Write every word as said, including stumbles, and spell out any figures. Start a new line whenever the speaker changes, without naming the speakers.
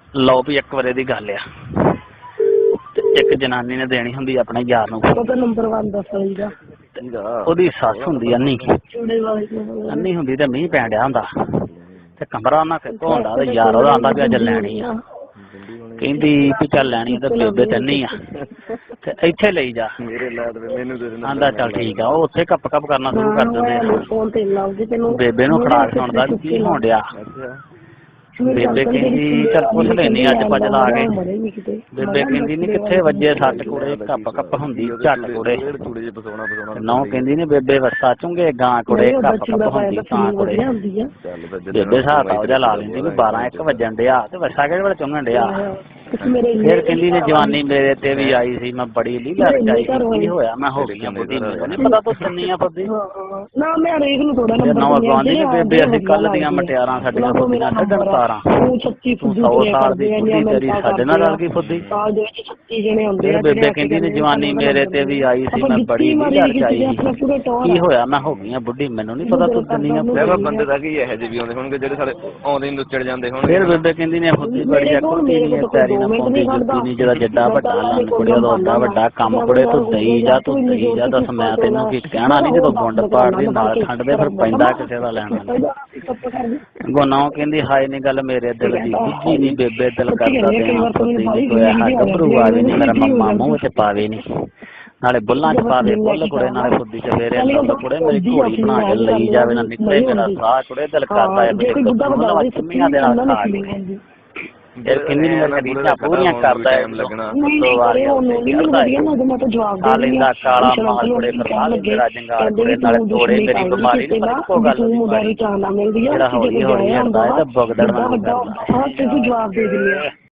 ਲਓ ਵੀ ਇੱਕ ਵਾਰੇ ਦੀ ਗੱਲ ਆ ਤੇ ਇੱਕ ਜਨਾਨੀ ਨੇ ਦੇਣੀ ਹੁੰਦੀ ਆਪਣੇ ਯਾਰ ਨੂੰ
ਨੰਬਰ वन दस ਦਾ
ਉਹਦੀ ਸੱਸ ਹੁੰਦੀ ਅੰਨੀ ਅੰਨੀ ਹੁੰਦੀ ਤੇ ਮੀਂਹ ਪੈਣ ਡਿਆ ਹੁੰਦਾ ਤੇ ਕਮਰਾ ਉਹਨਾਂ ਫਿੱਕੋ ਹੁੰਦਾ ਤੇ ਯਾਰ ਉਹਦਾ ਆਂਦਾ ਵੀ ਅੱਜ ਲੈਣੀ ਆ ਕਹਿੰਦੀ ਵੀ ਚੱਲ ਲੈਣੀ ਆ ਤੇ ਬੇਬੇ ਤੇ ਅੰਨੀ ਆ ਤੇ ਇੱਥੇ ਲਈ ਜਾ ਆਂਦਾ ਚੱਲ ਠੀਕ ਆ ਉਹ ਉੱਥੇ ਕੱਪ ਕੱਪ ਕਰਨਾ ਸ਼ੁਰੂ ਕਰ ਦਿੰਦੇ ਆ ਬੇਬੇ ਨੂੰ ਖੜਾਕ ਸੁਣਦਾ ਵੀ ਕੀ ਹੋਣ ਡਿਆ ਬੇਬੇ ਕਹਿੰਦੀ ਚੱਲ ਪੁੱਛ ਲੈਣੀ ਅੱਜ ਪਜ ਲਾ ਕੇ ਬੇਬੇ ਕਹਿੰਦੀ ਨੀ ਕਿੱਥੇ ਵੱਜੇ ਸੱਟ ਕੁੜੇ ਕੱਪ ਕੱਪ ਹੁੰਦੀ ਝੱਟ ਕੁੜੇ ਨੌ ਕਹਿੰਦੀ ਨੀ ਬੇਬੇ ਵਸਾ ਚੁੰਗੇ ਗਾਂ ਕੁੜੇ ਕੱਪ ਕੱਪ ਹੁੰਦੀ ਤਾਂ ਕੁੜੇ ਬੇਬੇ ਹਿਸਾਬ ਉਹਦਾ ਲਾ ਲੈਂਦੀ ਵੀ ਬਾਰਾਂ ਇੱਕ ਵੱਜਣ ਡਿਆ ਤੇ ਵਸਾ ਕਿਹੜੇ ਵੇਲੇ ਚੁੰਗਣ ਡਿਆ ਫਿਰ ਕਹਿੰਦੀ ਨੇ ਜਵਾਨੀ ਮੇਰੇ ਤੇ ਵੀ ਆਈ ਸੀ ਮੈਂ ਬੜੀ ਲੀਲਾ ਰਚਾਈ ਕੀ ਹੋਇਆ ਮੈਂ ਹੋ ਗਈ ਬੁੱਢੀ ਮੈਨੂੰ ਨੀ ਪਤਾ ਤੂੰ ਕਿੰਨੀ ਆ ਫੁੱਦੀ
ਨਾ ਮੈਂ ਹਰੇਕ ਨੂੰ ਥੋੜਾ
ਨਵਾਂ ਗਵਾਂਢੀ ਨੇ ਬੇਬੇ ਅਸੀਂ ਕੱਲ ਦੀਆਂ ਮਟਿਆਰਾਂ ਸਾਡੀਆਂ ਫੁੱਦੀਆਂ ਛੱਡਣ ਤਾਰਾਂ ਤੂੰ ਸੌ ਸਾਲ ਦੀ ਬੁੱਢੀ ਤੇਰੀ ਸਾਡੇ ਨਾਲ ਰਲ ਗਈ ਫੁੱਦੀ ਫਿਰ ਬੇਬੇ ਕਹਿੰਦੀ ਨੇ ਜਵਾਨੀ ਮੇਰੇ ਤੇ ਵੀ ਆਈ ਸੀ ਮੈਂ ਬੜੀ ਲੀਲਾ ਰਚਾਈ ਸੀ ਕੀ ਹੋਇਆ ਮੈਂ ਹੋ ਗਈ ਬੁੱਢੀ ਮੈਨੂੰ ਨੀ ਪਤਾ ਤੂੰ ਕਿੰਨੀ ਆ
ਬੰਦੇ ਦਾ ਕੀ ਇਹੋ ਜਿਹੇ ਵੀ ਆਉਂਦੇ ਹੋਣਗੇ ਜਿਹੜੇ ਸਾਡੇ ਆਉਂਦੇ ਨੁੱਚੜ ਜਾਂਦੇ ਹੋਣਗੇ
ਫਿਰ ਬੇਬੇ ਕਹਿੰਦੀ ਨੇ ਫੁੱਦੀ ਬੜੀ ਆ ਕੁੱਤੀ ਨੀ ਪੈਰੀ ਨਾ ਪਾਉਂਦੀ ਜੁੱਤੀ ਨੀ ਜਿਹੜਾ ਜੱਡਾ ਵੱਡਾ ਲੰਨ ਕੁੜਿਆ ਦਾ ਓਡਾ ਵੱਡਾ ਕੰਮ ਕੁੜੇ ਤੂੰ ਦਈ ਜਾ ਤੂੰ ਦਈ ਜਾ ਦੱਸ ਮੈਂ ਤੈਨੂੰ ਕੀ ਕਹਿਣਾ ਨੀ ਜਦੋਂ ਗੁੰਡ ਪਾੜਦੀ ਨਾਲ ਠੰਡ ਦੇ ਫਿਰ ਪੈਂਦਾ ਕਿਸੇ ਦਾ ਲੈਣਾ ਗੋਨਾਓ ਕਹਿੰਦੀ ਹਾਏ ਨੀ ਗੱਲ ਮੇਰੇ ਦਿਲ ਦੀ ਬੁੱਝੀ ਨੀ ਬੇਬੇ ਦਿਲ ਕਰਦਾ ਦੇਣਾ ਫੁੱਦੀ ਨੀ ਕੋਈ ਹੈ ਗੱਭਰੂ ਆਵੇ ਨੀ ਮੇਰਾ ਮੰਮਾ ਮੂੰਹ ਚ ਪਾਵੇ ਨੀ ਨਾਲੇ ਬੁੱਲਾਂ ਚ ਪਾਵੇ ਬੁੱਲ ਕੁੜੇ ਨਾਲੇ ਫੁੱਦੀ ਚ ਫੇਰੇ ਅੰਦਰ ਕੁੜੇ ਮੇਰੀ ਘੋੜੀ ਬਣਾ ਕੇ ਲਈ ਜਾਵੇ ਨਾ ਨਿਕਲੇ ਮੇਰਾ ਸਾਹ ਕੁੜੇ ਦਿਲ ਕਰਦਾ ਹੈ ਮੇਰੇ ਚੁੰਮੀਆਂ ਦੇ ਨਾਲ ਖਾ ਕੇ ਫਿਰ ਕਿੰਨੀ ਨੀ ਕਦੀਆਂ ਪੂਰੀਆਂ ਕਰਦਾ ਹੈ ਦੋ ਵਾਰੀਆਂ ਆ ਲੈਂਦਾ ਕਾਲਾ ਮਾਲ ਕੁੜੇ ਕਰਵਾ ਲੈਂਦਾ ਜੰਗਾਲ ਕੁੜੇ ਨਾਲੇ ਤੋੜੇ ਮੇਰੀ ਬਿਮਾਰੀ ਨੀ ਪਰ ਇੱਕੋ ਗੱਲ ਜਿਹੜਾ ਹੌਲੀ ਹੌਲੀ ਹਟਦਾ ਹੈ ਤੇ ਬਗਦੜ ਨਾਲ